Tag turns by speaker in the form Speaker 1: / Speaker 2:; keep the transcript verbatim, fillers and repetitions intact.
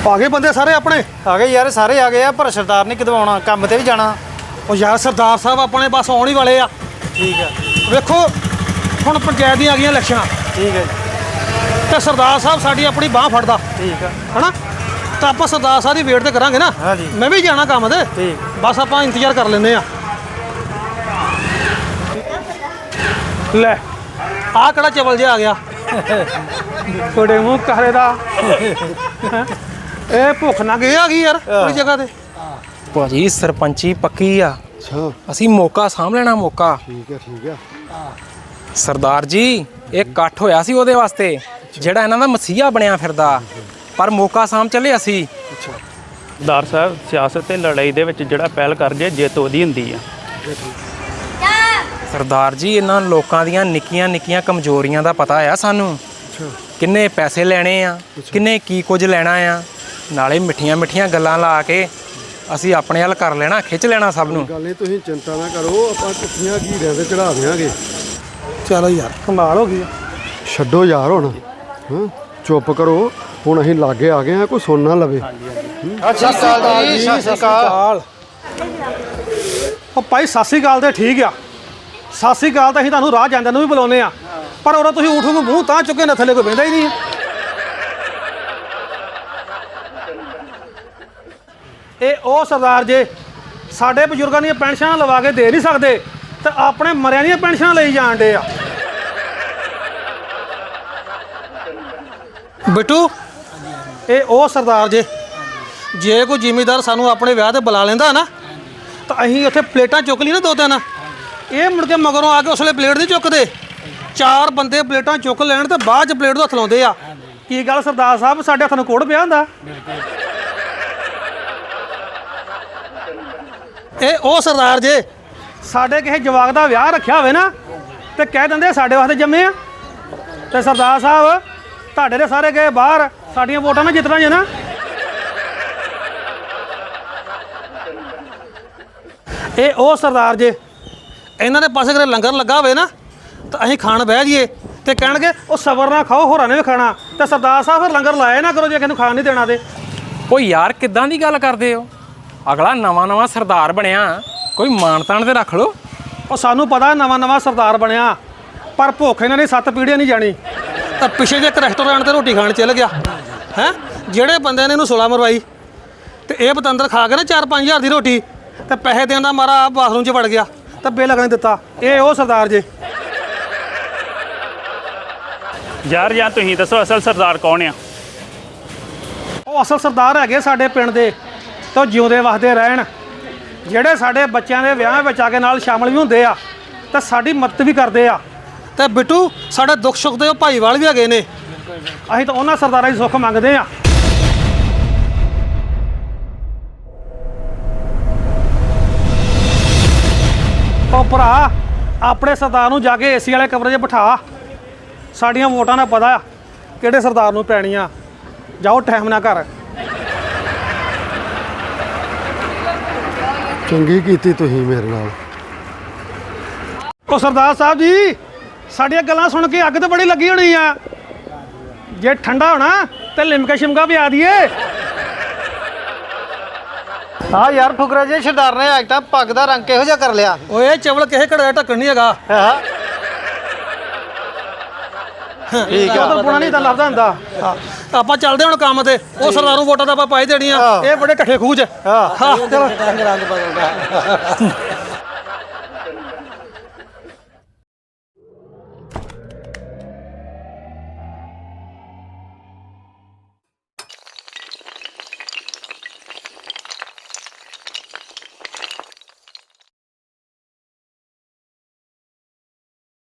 Speaker 1: ਆ ਗਏ ਬੰਦੇ ਸਾਰੇ ਆਪਣੇ
Speaker 2: ਆ ਗਏ ਯਾਰ, ਸਾਰੇ ਆ ਗਏ ਆ, ਪਰ ਸਰਦਾਰ ਨੇ ਕਦੋਂ ਆਉਣਾ? ਕੰਮ ਤੇ ਵੀ ਜਾਣਾ।
Speaker 1: ਉਹ ਯਾਰ ਸਰਦਾਰ ਸਾਹਿਬ ਆਪਣੇ ਬਸ ਆਉਣ ਹੀ ਵਾਲੇ ਆ।
Speaker 2: ਠੀਕ ਆ।
Speaker 1: ਵੇਖੋ ਹੁਣ ਪੰਚਾਇਤ ਦੀਆਂ ਆ ਗਈਆਂ ਇਲੈਕਸ਼ਨਾਂ
Speaker 2: ਠੀਕ ਹੈ ਜੀ।
Speaker 1: ਤੇ ਸਰਦਾਰ ਸਾਹਿਬ ਸਾਡੀ ਆਪਣੀ ਬਾਹ ਫੜਦਾ
Speaker 2: ਠੀਕ ਆ।
Speaker 1: ਹਨਾ, ਤਾਂ ਆਪਾਂ ਸਰਦਾਰ ਸਾਹਿਬ ਦੀ ਵੇਟ ਤੇ ਕਰਾਂਗੇ ਨਾ।
Speaker 2: ਹਾਂਜੀ।
Speaker 1: ਮੈਂ ਵੀ ਜਾਣਾ ਕੰਮ ਤੇ,
Speaker 2: ਠੀਕ।
Speaker 1: ਬਸ ਆਪਾਂ ਇੰਤਜ਼ਾਰ ਕਰ ਲੈਂਦੇ ਆ। ਲੈ ਆਹ ਕਿਹੜਾ ਚਵਲ ਜਿਹਾ ਆ ਗਿਆ ਤੁਹਾਡੇ ਮੂੰਹ ਕਾਲੇ ਦਾ। ਇਹ ਭੁੱਖ ਨਾ ਗਈ ਆ ਗਈ ਯਾਰ ਕੋਈ ਜਗ੍ਹਾ ਤੇ।
Speaker 3: ਭਾਜੀ ਸਰਪੰਚੀ ਪੱਕੀ ਆ।
Speaker 4: ਅੱਛਾ
Speaker 3: ਅਸੀਂ ਮੌਕਾ ਸਾਂਭ ਲੈਣਾ ਮੌਕਾ।
Speaker 4: ਠੀਕ ਹੈ ਠੀਕ ਹੈ।
Speaker 3: ਸਰਦਾਰ ਜੀ ਇਹ ਇਕੱਠ ਹੋਇਆ ਸੀ ਉਹਦੇ ਵਾਸਤੇ ਜਿਹੜਾ ਇਹਨਾਂ ਦਾ ਮਸੀਹਾ ਬਣਿਆ ਫਿਰਦਾ, ਪਰ ਮੌਕਾ ਸਾਂਭ ਚੱਲੇ ਅਸੀਂ।
Speaker 5: ਸਰਦਾਰ ਸਾਹਿਬ ਸਿਆਸਤ ਤੇ ਲੜਾਈ ਦੇ ਵਿੱਚ ਜਿਹੜਾ ਪਹਿਲ ਕਰ ਜੇ ਜਿੱਤ ਉਹਦੀ ਹੁੰਦੀ ਆ।
Speaker 3: ਸਰਦਾਰ ਜੀ ਇਹਨਾਂ ਲੋਕਾਂ ਦੀਆਂ ਨਿੱਕੀਆਂ ਨਿੱਕੀਆਂ ਕਮਜ਼ੋਰੀਆਂ ਦਾ ਪਤਾ ਆ ਸਾਨੂੰ। ਕਿੰਨੇ ਪੈਸੇ ਲੈਣੇ ਆ, ਕਿੰਨੇ ਕੀ ਕੁਝ ਲੈਣਾ ਆ, ਨਾਲੇ ਮਿੱਠੀਆਂ ਮਿੱਠੀਆਂ ਗੱਲਾਂ ਲਾ ਕੇ ਅਸੀਂ ਆਪਣੇ ਵੱਲ ਕਰ ਲੈਣਾ, ਖਿੱਚ ਲੈਣਾ ਸਭ ਨੂੰ।
Speaker 4: ਗੱਲ ਨਹੀਂ, ਤੁਸੀਂ ਚਿੰਤਾ ਨਾ ਕਰੋ, ਆਪਾਂ ਕੁੱਤੀਆਂ ਘੀਰਿਆਂ ਤੇ ਚੜਾ ਦਿਆਂਗੇ।
Speaker 1: ਚਲੋ ਯਾਰ ਕਮਾਲ ਹੋ ਗਈ।
Speaker 4: ਛੱਡੋ ਯਾਰ ਹੁਣ, ਹਾਂ ਚੁੱਪ ਕਰੋ ਹੁਣ, ਅਸੀਂ ਲਾਗੇ ਆ ਗਏ ਆ, ਕੋਈ ਸੁਣ ਨਾ ਲਵੇ।
Speaker 2: ਸਤਿ ਸ਼੍ਰੀ ਅਕਾਲ ਜੀ। ਸਤਿ ਸ਼੍ਰੀ ਅਕਾਲ।
Speaker 1: ਉਹ ਭਾਈ ਸਤਿ ਸ਼੍ਰੀ ਅਕਾਲ ਤੇ ਠੀਕ ਆ, ਸਤਿ ਸ਼੍ਰੀ ਅਕਾਲ ਤਾਂ ਅਸੀਂ ਤੁਹਾਨੂੰ ਰਾਹ ਜਾਂਦਿਆਂ ਨੂੰ ਵੀ ਬੁਲਾਉਂਦੇ ਆ, ਪਰ ਉਦੋਂ ਤੁਸੀਂ ਊਠ ਨੂੰ ਮੂੰਹ ਤਾਂ ਚੁੱਕੇ ਨਾ ਥੱਲੇ ਕੋਈ ਬਹਿੰਦਾ ਹੀ ਨਹੀਂ। ਇਹ ਉਹ ਸਰਦਾਰ ਜੇ ਸਾਡੇ ਬਜ਼ੁਰਗਾਂ ਦੀਆਂ ਪੈਨਸ਼ਨਾਂ ਲਵਾ ਕੇ ਦੇ ਨਹੀਂ ਸਕਦੇ ਤੇ ਆਪਣੇ ਮਰਿਆਂ ਦੀਆਂ ਪੈਨਸ਼ਨਾਂ ਲਈ ਜਾਣ ਡੇ ਆ। ਬਿੱਟੂ ਇਹ ਉਹ ਸਰਦਾਰ ਜੇ, ਜੇ ਕੋਈ ਜ਼ਿਮੀਂਦਾਰ ਸਾਨੂੰ ਆਪਣੇ ਵਿਆਹ ਤੇ ਬੁਲਾ ਲੈਂਦਾ ਨਾ ਤਾਂ ਅਸੀਂ ਉੱਥੇ ਪਲੇਟਾਂ ਚੁੱਕ ਲਈ ਨਾ ਦੋ ਤਿੰਨ, ਇਹ ਮੁੜ ਕੇ ਮਗਰੋਂ ਆ ਕੇ ਉਸਲੇ ਪਲੇਟ ਨਹੀਂ ਚੁੱਕਦੇ। ਚਾਰ ਬੰਦੇ ਪਲੇਟਾਂ ਚੁੱਕ ਲੈਣ ਤੇ ਬਾਅਦ ਚ ਪਲੇਟ ਨੂੰ ਹੱਥ ਲਾਉਂਦੇ ਆ। ਕੀ ਗੱਲ ਸਰਦਾਰ ਸਾਹਿਬ, ਸਾਡੇ ਹੱਥ ਨੂੰ ਕੋੜ ਪਿਆ ਹੁੰਦਾ। ਇਹ ਉਹ ਸਰਦਾਰ ਜੇ ਸਾਡੇ ਕਿਸੇ ਜਵਾਕ ਦਾ ਵਿਆਹ ਰੱਖਿਆ ਹੋਵੇ ਨਾ ਤੇ ਕਹਿ ਦਿੰਦੇ ਸਾਡੇ ਵਾਸਤੇ ਜੰਮੇ ਆ। ਤੇ ਸਰਦਾਰ ਸਾਹਿਬ ਤੁਹਾਡੇ ਦੇ ਸਾਰੇ ਗਏ ਬਾਹਰ, ਸਾਡੀਆਂ ਵੋਟਾਂ ਨਾਲ ਜਿੱਤਣਾ ਜੇ ਨਾ। ਇਹ ਉਹ ਸਰਦਾਰ ਜੇ ਇਹਨਾਂ ਦੇ ਪਾਸੇ ਕਿਤੇ ਲੰਗਰ ਲੱਗਾ ਹੋਵੇ ਨਾ ਤਾਂ ਅਸੀਂ ਖਾਣ ਬਹਿ ਜਾਈਏ ਤੇ ਕਹਿਣਗੇ ਉਹ ਸਬਰ ਨਾਲ ਖਾਓ, ਹੋਰਾਂ ਨੇ ਵੀ ਖਾਣਾ। ਤੇ ਸਰਦਾਰ ਸਾਹਿਬ ਫਿਰ ਲੰਗਰ ਲਾਏ ਨਾ ਕਰੋ ਜੇ ਕਿਸੇ ਨੂੰ ਖਾਣ ਨਹੀਂ ਦੇਣਾ ਤੇ।
Speaker 3: ਉਹ ਯਾਰ ਕਿੱਦਾਂ ਦੀ ਗੱਲ ਕਰਦੇ ਹੋ? ਅਗਲਾ ਨਵਾਂ ਨਵਾਂ ਸਰਦਾਰ ਬਣਿਆ, ਕੋਈ ਮਾਣ ਤਾਣ ਤੇ ਰੱਖ ਲਓ।
Speaker 1: ਉਹ ਸਾਨੂੰ ਪਤਾ ਨਵਾਂ ਨਵਾਂ ਸਰਦਾਰ ਬਣਿਆ, ਪਰ ਭੁੱਖ ਇਹਨਾਂ ਨੇ ਸੱਤ ਪੀੜ੍ਹੀਆਂ ਨਹੀਂ ਜਾਣੀ। ਤਾਂ ਪਿੱਛੇ ਜੇ ਇੱਕ ਰੈਸਟੋਰੈਂਟ ਤੇ ਰੋਟੀ ਖਾਣ ਚੱਲ ਗਿਆ ਹੈ, ਜਿਹੜੇ ਬੰਦੇ ਨੇ ਇਹਨੂੰ ਸੁਲਾ ਮਰਵਾਈ ਤੇ ਇਹ ਬਤੰਦਰ ਖਾ ਕੇ ਨਾ ਚਾਰ ਪੰਜ ਹਜ਼ਾਰ ਦੀ ਰੋਟੀ ਤੇ ਪੈਸੇ ਦੇਣ ਦਾ ਮਾਰਾ ਬਾਥਰੂਮ 'ਚ ਵੜ ਗਿਆ ਤਾਂ ਬਿੱਲ ਲੱਗਣ ਦਿੱਤਾ। ਇਹ ਉਹ ਸਰਦਾਰ ਜੇ।
Speaker 5: ਯਾਰ ਜਾਂ ਤੁਸੀਂ ਦੱਸੋ ਅਸਲ ਸਰਦਾਰ ਕੌਣ ਆ?
Speaker 1: ਉਹ ਅਸਲ ਸਰਦਾਰ ਹੈਗੇ ਸਾਡੇ ਪਿੰਡ ਦੇ, ਤੇ ਉਹ ਜਿਉਂਦੇ ਵਸਦੇ ਰਹਿਣ, ਜਿਹੜੇ ਸਾਡੇ ਬੱਚਿਆਂ ਦੇ ਵਿਆਹ ਵਿੱਚ ਆ ਕੇ ਨਾਲ ਸ਼ਾਮਲ ਵੀ ਹੁੰਦੇ ਆ ਤੇ ਸਾਡੀ ਮਦਦ ਵੀ ਕਰਦੇ ਆ। ਤੇ ਬਿੱਟੂ ਸਾਡੇ ਦੁੱਖ ਸੁੱਖ ਦੇ ਉਹ ਭਾਈਵਾਲ ਵੀ ਹੈਗੇ ਨੇ, ਅਸੀਂ ਤਾਂ ਉਹਨਾਂ ਸਰਦਾਰਾਂ ਦੀ ਸੁੱਖ ਮੰਗਦੇ ਆ। ਉਹ ਭਰਾ ਆਪਣੇ ਸਰਦਾਰ ਨੂੰ ਜਾ ਕੇ ਏਸੀ ਵਾਲੇ ਕਮਰੇ 'ਚ ਬਿਠਾ, ਸਾਡੀਆਂ ਵੋਟਾਂ ਦਾ ਪਤਾ ਆ ਕਿਹੜੇ ਸਰਦਾਰ ਨੂੰ ਪੈਣੀਆਂ। ਜਾਓ ਟਾਈਮ ਨਾ ਕਰ।
Speaker 4: ਚੰਗੀ ਕੀਤੀ ਤੁਸੀਂ ਮੇਰੇ ਨਾਲ।
Speaker 1: ਉਹ ਸਰਦਾਰ ਸਾਹਿਬ ਜੀ ਸਾਡੀਆਂ ਗੱਲਾਂ ਸੁਣ ਕੇ ਅੱਗ ਤਾਂ ਬੜੀ ਲੱਗੀ ਹੋਣੀ ਆ। ਜੇ ਠੰਡਾ ਹੋਣਾ ਤੇ ਲਿਮਕਾ ਸ਼ਿਮਕਾ ਵੀ ਆ ਦਈਏ।
Speaker 2: ਹਾਂ ਯਾਰ ਫੁਕਰਾ ਜੇ ਸਰਦਾਰ ਨੇ ਅੱਜ ਤਾਂ ਪੱਗ ਦਾ ਰੰਗ ਕਿਹੋ ਜਿਹਾ ਕਰ ਲਿਆ।
Speaker 1: ਓਏ ਚਵਲ ਕਿਸੇ ਘੜੇ ਦਾ ਢੱਕਣ ਨਹੀਂ ਹੈਗਾ।
Speaker 2: ਹਾਂ ਠੀਕ ਆ।
Speaker 1: ਉਹ ਤਾਂ ਪੁਣਾ ਨਹੀਂ ਤਾਂ ਲੱਭਦਾ ਹੁੰਦਾ। ਹਾਂ ਆਪਾਂ ਚੱਲਦੇ ਹੁਣ ਕੰਮ ਤੇ। ਉਹ ਸਰਦਾਰ ਨੂੰ ਵੋਟਾਂ ਤਾਂ ਆਪਾਂ ਪਾਈ ਦੇਣੀਆਂ। ਇਹ ਬੜੇ ਢੱਠੇ ਖੂਹ 'ਚ।
Speaker 2: ਹਾਂ
Speaker 1: ਹਾਂ ਚਲੋ
Speaker 2: ਰੰਗ ਰੰਗ ਬਦਲਦਾ।